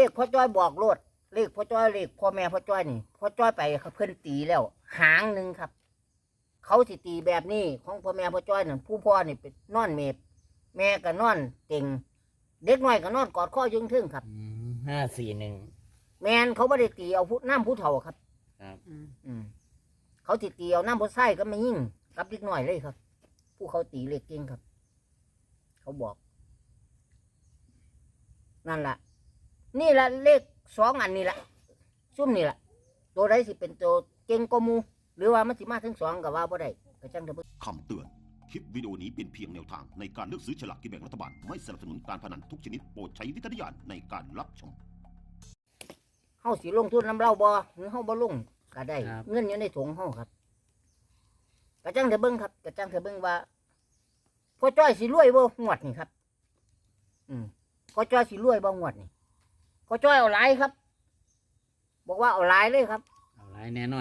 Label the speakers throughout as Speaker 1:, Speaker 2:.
Speaker 1: ขพ่อจ้อยบอกโลดเลขพ่อจ้อยเลขพ่อแม่พ่อจ้อยนี่พ่อจ้อยไปเพิ่นตีแล้วหางหนึ่งครับเขาสิตีแบบนี้ของพ่อแม่พ่อจ้อยนั่นผู้พ่อนี่เป็นนอนเมบแม่ก็นอนเต็งเด็กน้อยก็นอนกอดข้อยึงทึ่งครับ
Speaker 2: 541
Speaker 1: แมนเขาไม่ได้ตีเอาผู้น้ำผู้เฒ่าครับ
Speaker 2: ครับ
Speaker 1: เขาติตีเอาน้ำผู้ไส้ก็ไม่ยิ่งกับเด็กน้อยเลยครับ ผู้เขาตีเลขเก่งครับ เขาบอก นั่นแหละนี่แหละเลข2 อันนี่แหละซุ่มนี่แหละตัวใดสิเป็นตัวเก่งกว่าหมูหรือว่ามันสิมาถึง2กับว่าบ่ได้ก็จังเถอะ
Speaker 3: คำเตือน คลิปวิดีโอนี้เป็นเพียงแนวทางในการเลือกซื้อฉลากกินแบ่งรัฐบาล ไม่สนับสนุนการพนันทุกชนิดโปรดใช้วิจารณญาณในการรับชม
Speaker 1: เฮาสิลงทุนน้ำเล่าบ่หรือเฮาบ่ลงก็ได้ เงินอยู่ในถุงเฮาครับก็จังเถอะเบิ่งครับก็จังเถอะเบิ่งว่าพ่อจ้อยสิรวยบ่งวดนี่ครับพ่อจ้อยสิรวยบ่งวดนี่พ่อจ้อยเอาหลายครับ บอกว่าเอาหลายเลยครับ
Speaker 2: เอาหลายแน่นอน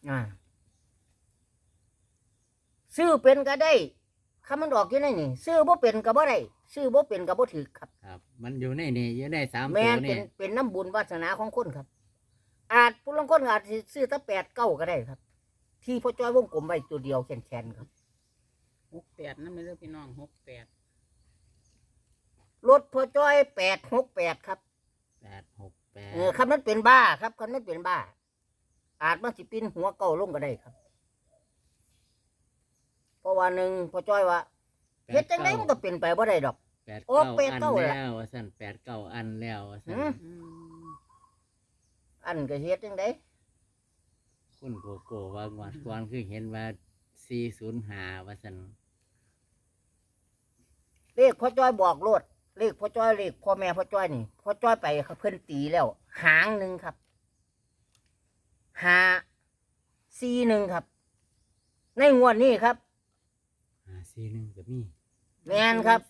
Speaker 1: ซื้อเป็นก็ได้คำมันออกอยู่ในนี่ซื้อบ่เป็นก็บ่ได้ซื้อบ่เป็นก็บ่ถือครับ
Speaker 2: ครับ มันอยู่ในนี่อยู่ใน3
Speaker 1: แม่
Speaker 2: ตัวน
Speaker 1: เป็
Speaker 2: นี่
Speaker 1: นเป็นน้ำบุญวาสนาของคนครับ อาจผู้ลางคนอาจสิซื้อตั้ง8 9ก็ได้ครับ ที่พ่อจ้อยวงกลมไว้ตัวเดียวแขนๆครับ
Speaker 4: 68นั่นไม่เรื่องพี่น้อง68
Speaker 1: รถพ่อจ้อย868ครับคำนั้นเป็นบ้าครับคำนั้นเป็นบ้า อาจมันสิปีนหัวเก่าลงก็ได้ครับ เพราะว่าหนึ่งพ่อจ้อยว่าเฮ็ดจังไดมันก็เป็นไปบ่ได้ดอก โอ้
Speaker 2: 89
Speaker 1: 89
Speaker 2: อัน
Speaker 1: ล่ะ
Speaker 2: แล้วว่าซั่น89 อันแล้วว่าซั่น
Speaker 1: อันก็เฮ็ดจังได
Speaker 2: คุณโกโก้ว่างวดก่อนคือเห็นว่า405ว่าซั่น
Speaker 1: เลขพ่อจ้อยบอกโลดเลขพ่อจ้อยเลขพ่อแม่พ่อจ้อยนี่พ่อจ้อยไปเพิ่นตีแล้วหางหนึ่งครับ541ครับ ในงวดนี้ครับ
Speaker 2: 541ก็มี
Speaker 1: แม่นครับ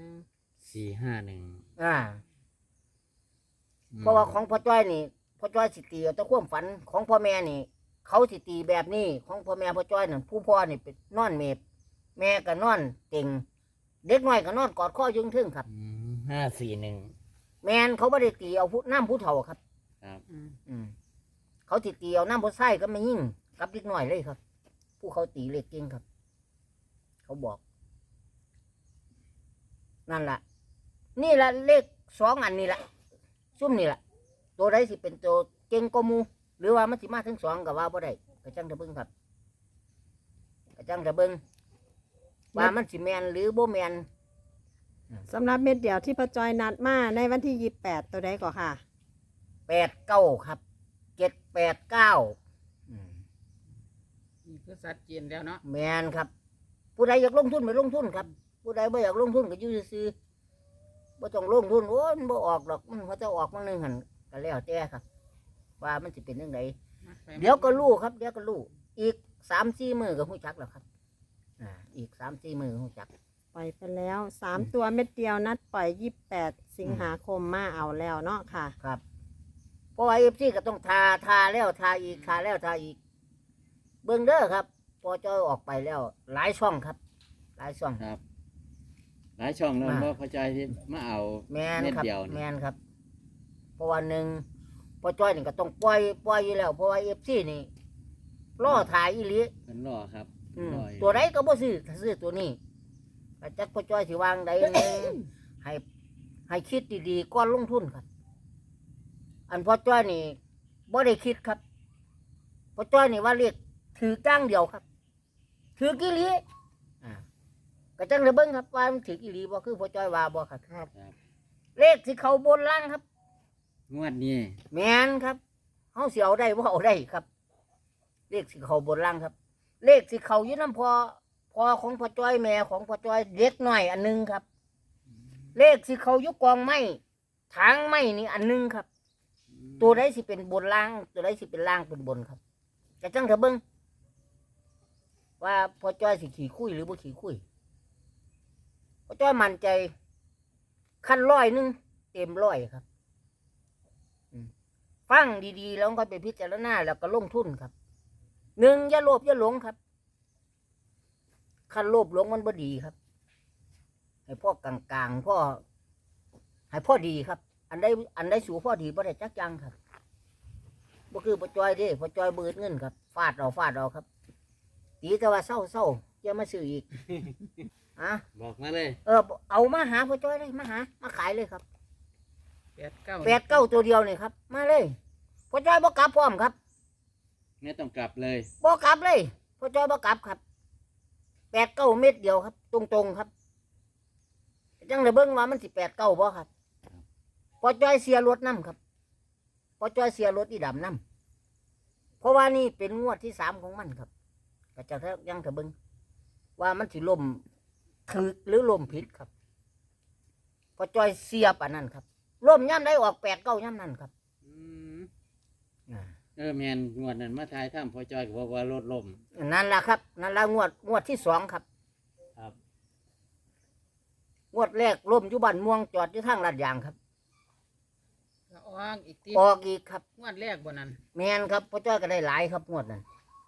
Speaker 2: 451
Speaker 1: เพราะว่าของพ่อจ้อยนี่พ่อจ้อยสิตีเอาแต่ความฝันของพ่อแม่นี่ เขาสิตีแบบนี้ของพ่อแม่พ่อจ้อยนั่นผู้พ่อนี่เป็นนอนเมบแม่ก็นอนเต็งเด็กน้อยก็นอนกอดข้อยึงทึ่งครับ
Speaker 2: 541
Speaker 1: แมนเขาไม่ได้ตีเอาผู้น้ำผู้เฒ่าครับ
Speaker 2: ครับ
Speaker 1: เขาติตีเอาน้ำผู้ไส้ก็ไม่ยิ่งกับเด็กน้อยเลยครับ ผู้เขาตีเลขเก่งครับ เขาบอก นั่นแหละนี่แหละเลข2 อันนี่แหละซุ่มนี่แหละตัวใดสิเป็นตัวเก่งกว่าหมูหรือว่ามันสิมาถึง2กับว่าบ่ได้ก็จังเถอะเบิ่งครับก็จังเถอะเบิ่งว่ามันสิแมนหรือบ่แมน
Speaker 5: สำหรับเม็ดเดียวที่พ่อจอยนัดมาในวันที่28ตัวใดก่อค่ะ
Speaker 1: 89ครับ789
Speaker 4: นี่คือสัดเจนแล้วเนาะ
Speaker 1: แมนครับ ผู้ใดอยากลงทุนไปลงทุนครับ ผู้ใดไม่อยากลงทุนก็อยู่ซื่อๆบ่ต้องลงทุนโอ้ยมันบ่ออกดอกมันเขาจะออกบางนึงหันก็แล้วแต่ครับ ว่ามันสิเป็นจังไดเดี๋ยวก็รู้ครับเดี๋ยวก็รู้อีก3-4 มื้อก็ฮู้จักแล้วครับอีก3-4 มื้อฮู้จัก
Speaker 5: ปล่อยไปแล้ว3ตัวเม็ดเดียวนัดปล่อย28 สิงหาคมมาเอาแล้วเนาะค่ะ
Speaker 1: ครับเพราะว่า FC ก็ต้องทาแล้วทาอีกทาแล้วทาอีก เบิ่งเด้อครับพอจ้อยออกไปแล้ว หลายช่องครับ หลายช่อง
Speaker 2: ครับ หลายช่องแล้วบ่เข้าใจที่มาเอา
Speaker 1: แมน
Speaker 2: เม็ด
Speaker 1: ครับ
Speaker 2: เดียว
Speaker 1: แม
Speaker 2: นี่
Speaker 1: นครับเพราะวันหนึ่งพอจ้อยนี่ก็ต้องปล่อยอยู่แล้วเพราะว่าFCนี่ล่อถ่ายอีหลี
Speaker 2: เพิ่นรอครับ
Speaker 1: ม
Speaker 2: รออยู่
Speaker 1: ตัวใดก็บ่ซื้อถ้าซื้อตัวนี้ก็จักพอจ้อยสิวางใดหนึง ให้คิดดีๆก่อนลงทุนครับ อันพอจ้อยนี่บ่ได้คิดครับพอจ้อยนี่ว่าเรียกถือจ้างเดียวครับ ถือกี่ลีก็จังเลยเบิ่งครับว่ามันถือกี่ลีบ่คือพอจ้อยว่าบ่ครับ
Speaker 2: ครับ
Speaker 1: เลขที่เขาบนล่างครับ
Speaker 2: งวดนี้
Speaker 1: แมนครับเฮาสิเอาได้บ่เอาได้ครับ เลขสิเขาบนล่างครับ เลขสิเขาอยู่น้ำพอของพ่อจ้อยแม่ของพ่อจ้อยเด็กน้อยอันหนึงครับ เลขสิเขาอยู่กองไม้ทางไม้นี่อันหนึงครับ ตัวใดสิเป็นบนล่าง ตัวใดสิเป็นล่างเป็นบนครับจะจังเถอะเบิ่งว่าพ่อจ้อยสิขี่คุยหรือบ่ขี่คุยพ่อจ้อยมั่นใจขั้น100เต็ม100ครับ ฟังดีๆแล้วก็ไปพิจารณาแล้วก็ลงทุนครับ1อย่าโลภอย่าหลงครับคันโลภหลงมันบ่ดีครับให้พ่อกลางๆพ่อให้พ่อดีครับอันใดสูพอดีบ่ได้จักอยังครับบ่คือพ่อจ้อยเด้พ่อจ้อยเบิดเงินครับฟาดเอาครับตีแต่ว่าเศร้าอย่ามาซื้ออีก อ่ะ
Speaker 2: บอกมาเลย
Speaker 1: เอามาหาพ่อจ้อยเลยมาขายเลยครับ
Speaker 4: 89
Speaker 1: 8-9ตัวเดียวนี่ครับ มาเลยพ่อจ้อยบ่กลับพร้อมครับ
Speaker 2: ไม่ต้องกลับเลย
Speaker 1: บ่กลับเลยพ่อจ้อยบ่กลับครับ8-9 เม็ดเดียวครับ ตรงๆครับจังได้เบิ่งว่ามันสิ8-9บ่ครับพ่อจ้อยเสียรถนํครับพ่อจ้อยเสียรถอีดำนํเพราะว่านี่เป็นงวดที่3ของมันครับก็จะยังจะเบิ่งว่ามันสิล่มถึกหรือล่มผิดครับพ่อจ้อยเสียปานนั้นครับล่มย่ำได้ออก8-9ย่ำนั้นครับ
Speaker 2: อืมแมนงวดนั้นมาทายถ้ำพ่อจอยก็บอกว่ารถล่ม
Speaker 1: นั่นแหละครับนั่นละงวดที่2ครับ
Speaker 2: ครับ
Speaker 1: งวดแรกล่มอยู่บ้านม่วงจอดอยู่ทางลาดยางครับ
Speaker 4: ก็ออกอีกที
Speaker 1: ออกอีกครับ
Speaker 4: งวดแรกบ่นั้น
Speaker 1: แมนครับพ่อจ้อยก็ได้หลายครับงวดนั้น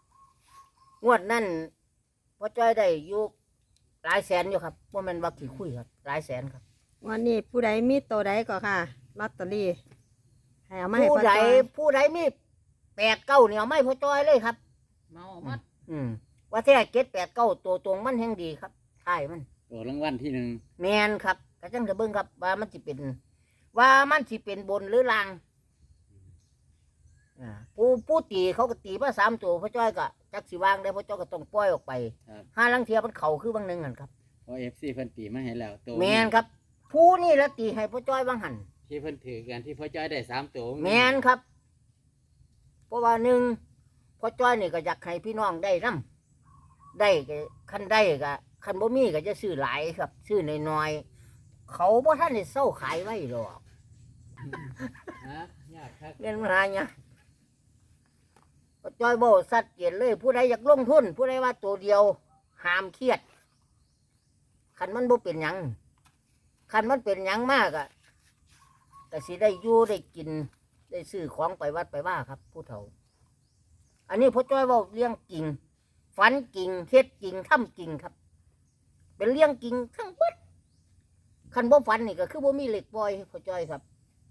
Speaker 1: พ่อจ้อยได้อยู่หลายแสนอยู่ครับว่ามันว่ากี่คุยครับหลายแสนครับ
Speaker 5: วันนี้ผู้ใดมีตัวใดก็ค่ะลอตเตอรี่ให้เอามาให้
Speaker 1: ผู้
Speaker 5: พ่อ
Speaker 1: ใด
Speaker 5: จ้อย
Speaker 1: มี8-9เนี่ยไม่พ่อจ้อยเลยครับ
Speaker 4: เมาหมัด
Speaker 1: ว่าแท้7-8-9ตัวตรงมันแห่งดีครับใช่มัน
Speaker 2: ตัวรางวัลที่หนึ่ง
Speaker 1: แมนครับก็จังจะเบิ่งครับว่ามันสิเป็นบนหรือล่างผู้ตีเขาก็ตีมา3ตัวพ่อจ้อยก็จักสิวางได้พ่อจ้อยก็ต้องปล่อยออกไป
Speaker 2: ครับ
Speaker 1: ห้าลังเทียมันเข่าคือบางหนึงหันครับ
Speaker 2: เพราะFCเพิ่นตีมาให้แล้วตัว
Speaker 1: แมนครับ ผู้นี่ละตีให้พ่อจ้อยบางหัน
Speaker 2: ที่เพิ่นถือกันที่พ่อจอยได้3ตัว
Speaker 1: แมนครับ เพราะว่าพ่อจ้อยนี่ก็อยากให้พี่น้องได้นํได้ก็คันได้ก็คันบ่มีก็จะซื้อหลายครับ ซื้อน้อยๆเขาบ่ทันได้เซาขายไว้หรอก
Speaker 2: ฮะยากครับ
Speaker 1: เงินมาหาเนี่ยพ่อจ้อยบ่สัดเจนเลย ผู้ใดอยากลงทุน ผู้ใดว่าตัวเดียวห้ามเครียดคันมันบ่เป็นหยังคันมันเป็นหยังมากอ่ะแต่สิได้อยู่ได้กิน ได้ซื้อของไปวัดไปว่าครับ ผู้เฒ่า อันนี้พ่อจ้อยเว่าเลี้ยงกิ่งฝันกิ่งเฮ็ดกิ่งทำกิ่งครับ เป็นเลี้ยงกิ่งทั้งหมดคันบ่ฝันนี่ก็คือบ่มีเหล็กปล่อยพ่อจ้อยครับ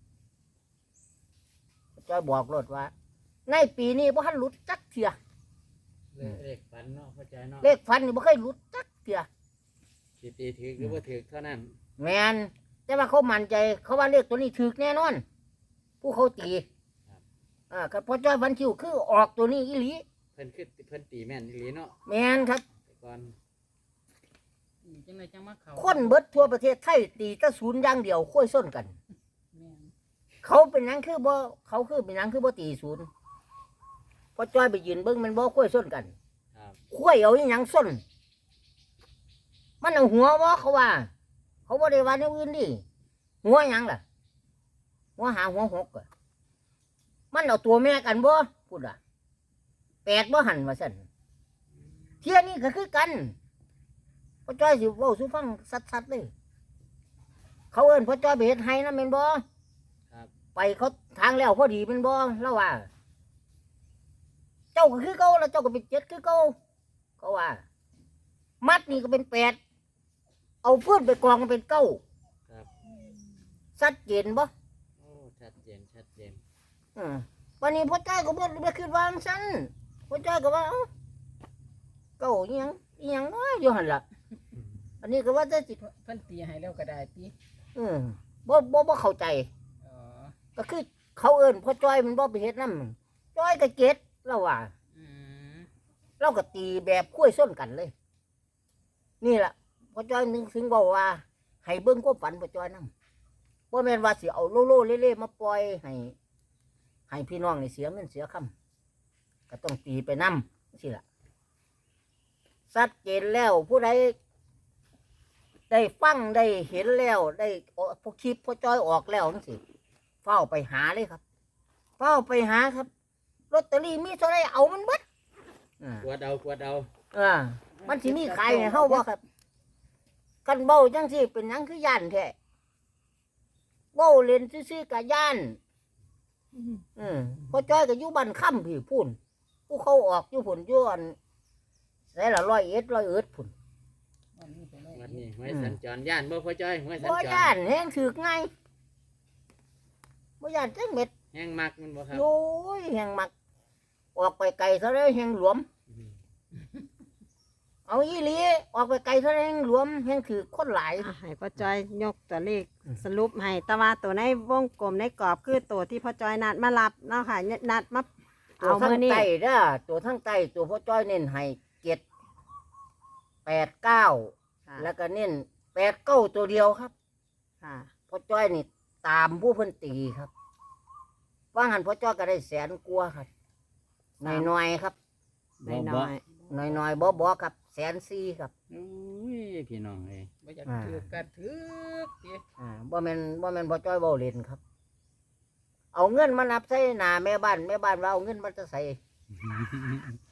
Speaker 1: พ่อจ้อยบอกรถว่า ในปีนี้บ่ทันหลุดจักเทื่อ
Speaker 2: เลขฝันเนาะพ่อจอยเนาะ
Speaker 1: เลขฝันนี่บ่เคยหลุดจักเทื่อ
Speaker 2: สิตีถือหรือว่าถือเท่านั้น
Speaker 1: แม่นแต่ว่าเขามั่นใจ เขาว่าเลขตัวนี้ถูกแน่นอน ผู้เขาตีครับพ่อจ้อยฝันคิวคือออกตัวนี้อีหลี
Speaker 2: เพิ่นตีแม่นอีหลีเนาะ
Speaker 1: แม่นครับ
Speaker 2: แต่ก่อน
Speaker 4: จังไดจังมาเข้า
Speaker 1: คนเบิดทั่วประเทศไทยตีแตะศูนย์อย่างเดียวค่อยส้นกัน
Speaker 4: แม่น
Speaker 1: เขาเป็นหยังคือบ่เขาคือเป็นหยังคือบ่ตีศูนย์พอจ้อยไปยืนเบิ่งมันบ่ค่อยส้นกัน
Speaker 2: ครับ
Speaker 1: ค่อยเอาอีหยังส้นมันเอาหัวบ่เขาว่า เขาบ่ได้ว่าแนวอื่นดิหัวหยังล่ะหัวหาหัวหกอะมันเอาตัวแม่กันบ่พูดอ่ะ8บ่หันว่าซั่นเที่ยนี้ก็คือกันพ่อจ้อยสิเว้าสู่ฟังสัดๆเลยเขาเอิ้นพ่อจ้อยไปเฮ็ดไห้นำแม่นบ่
Speaker 2: ครับ
Speaker 1: ไปเขาทางแล้วพอดีแม่นบ่แล้วว่า เจ้าก็คือเก่าแล้วเจ้าก็เป็น7คือเก่าเขาว่า มัดนี่ก็เป็น8เอาพื้นไปกองก็เป็น9
Speaker 2: ครับ
Speaker 1: ชัดเจนบ่
Speaker 2: โอ้ชัดเจน
Speaker 1: วันนี้พ่อจ้อยก็บ่ได้คิดว่าจังซั่นพ่อจ้อยก็ว่าเอ้าเก่าอีหยังน้อยอยู่หั่นล่ะ อันนี้ก็ว่าจะสิ
Speaker 4: เพิ่นตีให้แล้วก็ได้ติ
Speaker 1: บ่เข้าใจ
Speaker 4: อ๋อ
Speaker 1: ก็คือเขาเอิ้นพ่อจ้อยมันบ่ไปเฮ็ดนำจ้อยก็เก็ดแล้วว่า
Speaker 4: อืม
Speaker 1: เราก็ตีแบบคุ้ยส้นกันเลย นี่แหละพ่อจ้อยนึงถึงบอกว่า ให้เบิ้งก็ฝันพ่อจ้อยนั่งว่าแม่นว่าสิเอาโลโลเล่ๆมาปล่อยให้พี่น้องในเสียเงินเสียคำก็ต้องตีไปนั่สิล่ะชัดเจนแล้วผู้ใดได้ฟังได้เห็นแล้วได้พวกคลิปพ่อจ้อยออกแล้วนั่นสิเฝ้าไปหาเลยครับเฝ้าไปหาครับลอตเตอรี่มีเท่าไรเอามันเบิด
Speaker 2: กวดเอา
Speaker 1: มันสิมีขายให้เฮาบ่ครับกันเบ้าจังสิเป็นหยังคือย่านแท้เบ้าเล่นซื่อๆกับย่านพ่อจ้อยก็อยู่บ้านค่ำพี่พุ่นผู้เขาออกอยู่พุ่นอยู่อันใส่ละ100 พุ่น
Speaker 4: วันนี้ไปเลย
Speaker 2: วันนี้หวยสัญจรย่านบ่พ่อจอยหวยสัญ
Speaker 1: บ่
Speaker 2: จร
Speaker 1: ย่านแฮงถึกไงบ่ย่านจักเม็ด
Speaker 2: แห้งมักมันบ่ครับ
Speaker 1: โอ้ยแห่งมัก ออกไปไกลเท่าไรแห่งหลวม เอาอีหลีออกไปไกลเท่าไรแห่งหลวมแห่งถือคนหลาย
Speaker 5: อ่ะให้พ่อจ้อยยกตัวเลขสรุปให้แต่ว่าตัวในวงกลมในกรอบคือตัวที่พ่อจ้อยนัดมารับเนาะค่ะนัดมา
Speaker 1: ตัว
Speaker 5: เอา
Speaker 1: ทั้
Speaker 5: มื
Speaker 1: ง
Speaker 5: อนี่
Speaker 1: ใต้เด้อตัวทั้งใต้ตัวพ่อจ้อยเน้นให้7 8 9แล้วก็เน้น8 9ตัวเดียวครับ
Speaker 5: ค่ะ
Speaker 1: พ่อจ้อยนี่ตามผู้เพิ่นตีครับว่าหันพ่อจ้อยก็ได้100,000 กว่าครับน้อยๆครับ
Speaker 5: น้อย
Speaker 1: น้อยๆบ่ครับ140,000ครับ
Speaker 2: โอ้ยพี่น้องเอ้ย
Speaker 4: บ่อยากถือกันถือติ
Speaker 1: บ่แม่นพ่อจ้อยเว้าเล่นครับ เอาเงินมานับใส่หน้าแม่บ้านว่าเอาเงินมาจะใส่